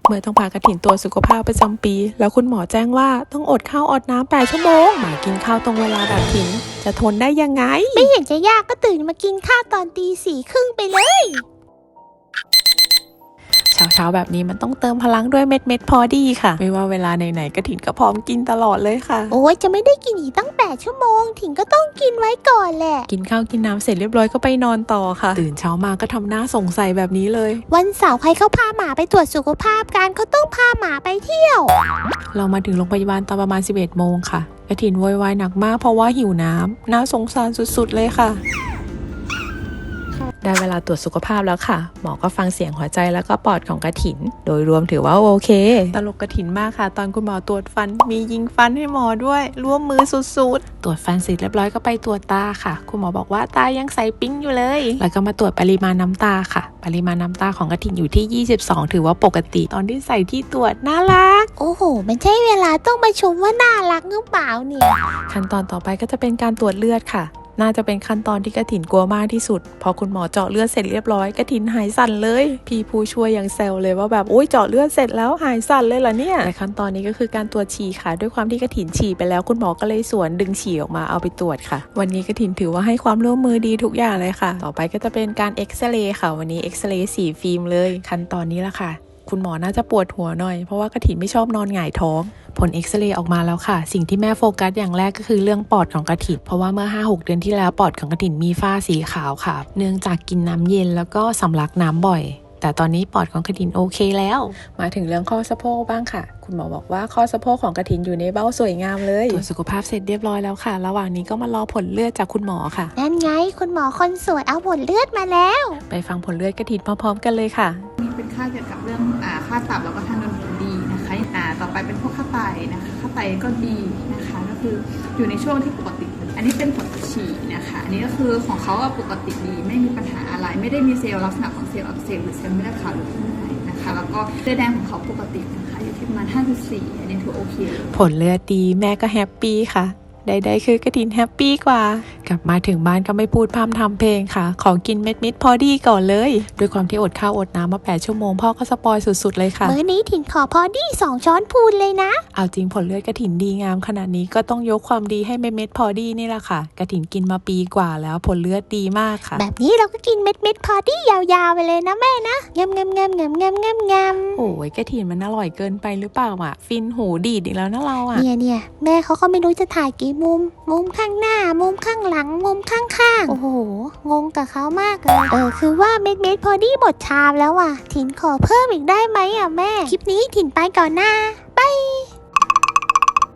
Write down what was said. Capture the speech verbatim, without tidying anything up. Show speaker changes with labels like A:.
A: เมื่อต้องพากระถินตัวสุขภาพประจำปีแล้วคุณหมอแจ้งว่าต้องอดข้าวอดน้ำแปดชั่วโมงมากินข้าวตรงเวลาแบบถินจะทนได้ยังไง
B: ไม่เห็นจะยากก็ตื่นมากินข้าวตอนตีสี่ครึ่งไปเลย
A: เช้าๆแบบนี้มันต้องเติมพลังด้วยเม็ดเม็ดพอดีค่ะไม่ว่าเวลาไหนๆกระถินก็พร้อมกินตลอดเลยค่ะ
B: โอ้ยจะไม่ได้กินอีกตั้งแปดชั่วโมงถิงก็ต้องกินไว้ก่อนแหละ
A: กินข้าวกินน้ำเสร็จเรียบร้อยก็ไปนอนต่อค่ะตื่นเช้ามาก็ทำหน้าสงสัยแบบนี้เลย
B: วันเสาร์ใครเขาพาหมาไปตรวจสุขภาพกันเขาต้องพาหมาไปเที่ยว
A: เรามาถึงโรงพยาบาลตอนประมาณสิบเอ็ดโมงค่ะกระถินโวยวายหนักมากเพราะว่าหิวน้ำน่าสงสารสุดๆเลยค่ะได้เวลาตรวจสุขภาพแล้วค่ะหมอก็ฟังเสียงหัวใจแล้วก็ปอดของกระถินโดยรวมถือว่าโอเคตลกกระถินมากค่ะตอนคุณหมอตรวจฟันมียิงฟันให้หมอด้วยร่วมมือสุดๆตรวจฟันเสร็จเรียบร้อยก็ไปตรวจตาค่ะคุณหมอบอกว่าตายังใสปิ๊งอยู่เลยแล้วก็มาตรวจปริมาณน้ำตาค่ะปริมาณน้ำตาของกระถินอยู่ที่ยี่สิบสองถือว่าปกติตอนที่ใส่ที่ตรวจน่ารัก
B: โอ้โหมันใช่เวลาต้องมาชมว่าน่ารักหรือเปล่าเนี่ย
A: ขั้นตอนต่อไปก็จะเป็นการตรวจเลือดค่ะน่าจะเป็นขั้นตอนที่กระถินกลัวมากที่สุดพอคุณหมอเจาะเลือดเสร็จเรียบร้อยกระถินหายสั่นเลยพี่ผู้ช่วยยังแซวเลยว่าแบบโอ๊ยเจาะเลือดเสร็จแล้วหายสั่นเลยเหรอเนี่ยแต่ขั้นตอนนี้ก็คือการตรวจฉี่ค่ะด้วยความที่กระถินฉี่ไปแล้วคุณหมอก็เลยสวนดึงฉี่ออกมาเอาไปตรวจค่ะวันนี้กระถินถือว่าให้ความร่วมมือดีทุกอย่างเลยค่ะต่อไปก็จะเป็นการเอ็กซเรย์ค่ะวันนี้เอ็กซเรย์สี่ฟิล์มเลยขั้นตอนนี้ละค่ะคุณหมอน่าจะปวดหัวหน่อยเพราะว่ากระถินไม่ชอบนอนหงายท้องผลเอ็กซเรย์ออกมาแล้วค่ะสิ่งที่แม่โฟกัสอย่างแรกก็คือเรื่องปอดของกระถินเพราะว่าเมื่อ ห้าหก เดือนที่แล้วปอดของกระถินมีฝ้าสีขาวค่ะเนื่องจากกินน้ำเย็นแล้วก็สำลักน้ำบ่อยแต่ตอนนี้ปอดของกระถินโอเคแล้วมาถึงเรื่องข้อสะโพกบ้างค่ะคุณหมอบอกว่าข้อสะโพกของกระถินอยู่ในเบ้าสวยงามเลยตรวจสุขภาพเสร็จเรียบร้อยแล้วค่ะระหว่างนี้ก็มารอผลเลือดจากคุณหมอค่ะ
B: นั่นไงคุณหมอคนสวยเอาผลเลือดมาแล้ว
A: ไปฟังผลเลือดกระถินพร้อมๆกันเลยค่ะ
C: นี่เป็นค่าเกี่ยวกับเรื่องอ่าค่าตับแล้วก็ทางเดินอาหารดีนะคะอ่าต่อไปเป็นพวกค่าไตนะคะค่าไตก็ดีนะคะก็คืออยู่ในช่วงที่ปกติอันนี้เป็นผลฉี่นะคะอันนี้ก็คือของเขาปกติดีไม่มีปัญหาอะไรไม่ได้มีเซลล์ลักษณะของเซลล์อักเสบหรือเซลล์เม็ดเลือดขาวหรือข้างในนะคะแล้วก็เลือดแดงของเขาปกตินะคะอยู่ที่ประมาณ ห้าจุดสี่ อันนี้ถือโอเค
A: ผลเลือดดีแม่ก็แฮปปี้ค่ะใดๆคือกระถินแฮปปี้กว่ากลับมาถึงบ้านก็ไม่พูดพร่ำทำเพลงค่ะขอกินเม็ดมิดพอดีก่อนเลยด้วยความที่อดข้าวอดน้ำมาแปดชั่วโมงพ่อก็สปอยสุดๆเลยค่ะ
B: มื้อนี้ถินขอพอดีสองช้อนพูนเลยนะ
A: เอาจริงผลเลือดกระถินดีงามขนาดนี้ก็ต้องยกความดีให้เม็ดเม็ดพอดีนี่แหละค่ะกระถินกินมาปีกว่าแล้วผลเลือดดีมากค่ะ
B: แบบนี้เราก็กินเม็ดเม็ดพอดียาวๆไปเลยนะแม่นะงามงามงามงามงามงามงาม
A: โอ้ยกระถินมันอร่อยเกินไปหรือเปล่าอ่ะฟินหูดีดอีกแล้วนะเราอ่ะ
B: เนี่ยเนี่ยแม่เขาก็ไม่รู้จะถ่ายกี่มุมมุมข้างหน้ามุมข้างหลังมุมข้างๆโอ้โหงงกับเขามากเลยเออคือว่าเม็ดเม็ดพอดีหมดชามแล้วอ่ะถินขอเพิ่มอีกได้ไหมอ่ะแม่คลิปนี้ถินไปก่อนนะ